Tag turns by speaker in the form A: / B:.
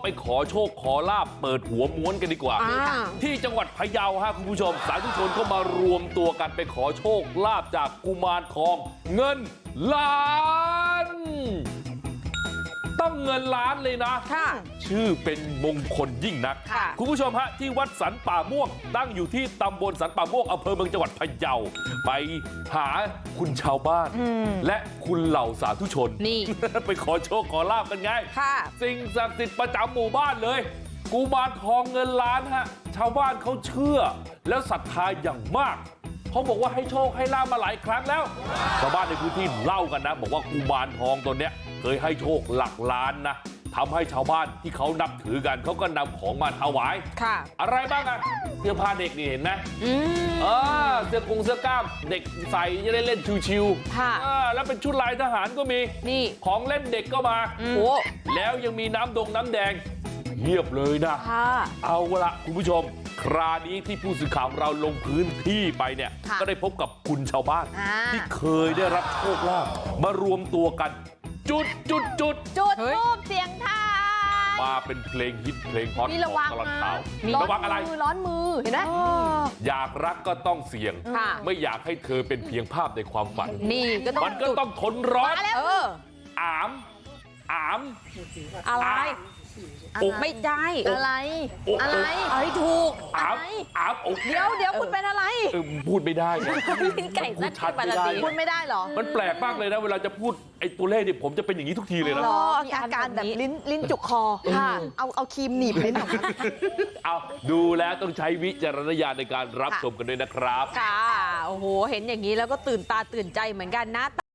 A: ขอโชคขอลาบเปิดหัวม้วนกันดีกว่าที่จังหวัดพะเยาฮะคุณผู้ชมสาธุชนก็มารวมตัวกันไปขอโชคลาบจากกุมารทองเงินล้านต้องเงินล้านเลยนะชื่อเป็นมงคลยิ่งนักคุณผู้ชมฮะที่วัดสันป่าม่วงตั้งอยู่ที่ตำบลสันป่าม่วงอำเภอเมืองจังหวัดพะเยาไปหาคุณชาวบ้านและคุณเหล่าสาธุชนนี่ ไปขอโชคขอลาบกันไงสิ่งศักดิ์สิทธิ์ประจำหมู่บ้านเลยกุมารทองเงินล้านฮะชาวบ้านเขาเชื่อแล้วศรัทธาอย่างมากเขาบอกว่าให้โชคให้ลาบมาหลายครั้งแล้วชาวบ้านในพื้นที่เล่ากันนะบอกว่ากุมารทองตัวเนี้ยเคยให้โชคหลักล้านนะทำให้ชาวบ้านที่เขานับถือกันเขาก็นำของมาถวายอะไรบ้างอะเสื้อผ้าเด็กนี่เห็นไหมเสื้อกงเสื้อกล้ามเด็กใส่จะได้เล่นชิวๆแล้วเป็นชุดลายทหารก็มีนี่ของเล่นเด็กก็มาแล้วยังมีน้ำแดงเงียบเลยนะเอาละคุณผู้ชมคราวนี้ที่ผู้สื่อข่าวของเราลงพื้นที่ไปเนี่ยก็ได้พบกับคุณชาวบ้านที่เคยได้รับโชคลาภมารวมตัวกันจุด
B: ทูบเสียงทาย
A: มาเป็นเพลงฮิตเพลงฮอตของตลอดข่าวระวังอะไร
B: ร้อนมือเห็นไหม
A: อยากรักก็ต้องเสี่ยงไม่อยากให้เธอเป็นเพียงภาพในความฝัน
B: นี่
A: มันก็ต้องทนร้อนอาม
B: อะไรไม่ได้อะไรถูกเดี๋ยวคุณเป็นอะไร
A: พูดไม่ได้ไง
B: ลิ้นไก่ชัดพูดไม่ได้หรอ
A: มันแปลกมากเลยนะเวลาจะพูดไอ้ตัวเลขเนี่ยผมจะเป็นอย่างนี้ทุกทีเลยนะ
B: มีอาการแบบลิ้นจุกคอเอาครีมหนีบลิ้นออกมา
A: เอาดูแล้วต้องใช้วิจารณญาณในการรับชมกันด้วยนะครับ
B: ค่ะโอ้โหเห็นอย่างนี้แล้วก็ตื่นตาตื่นใจเหมือนกันนะ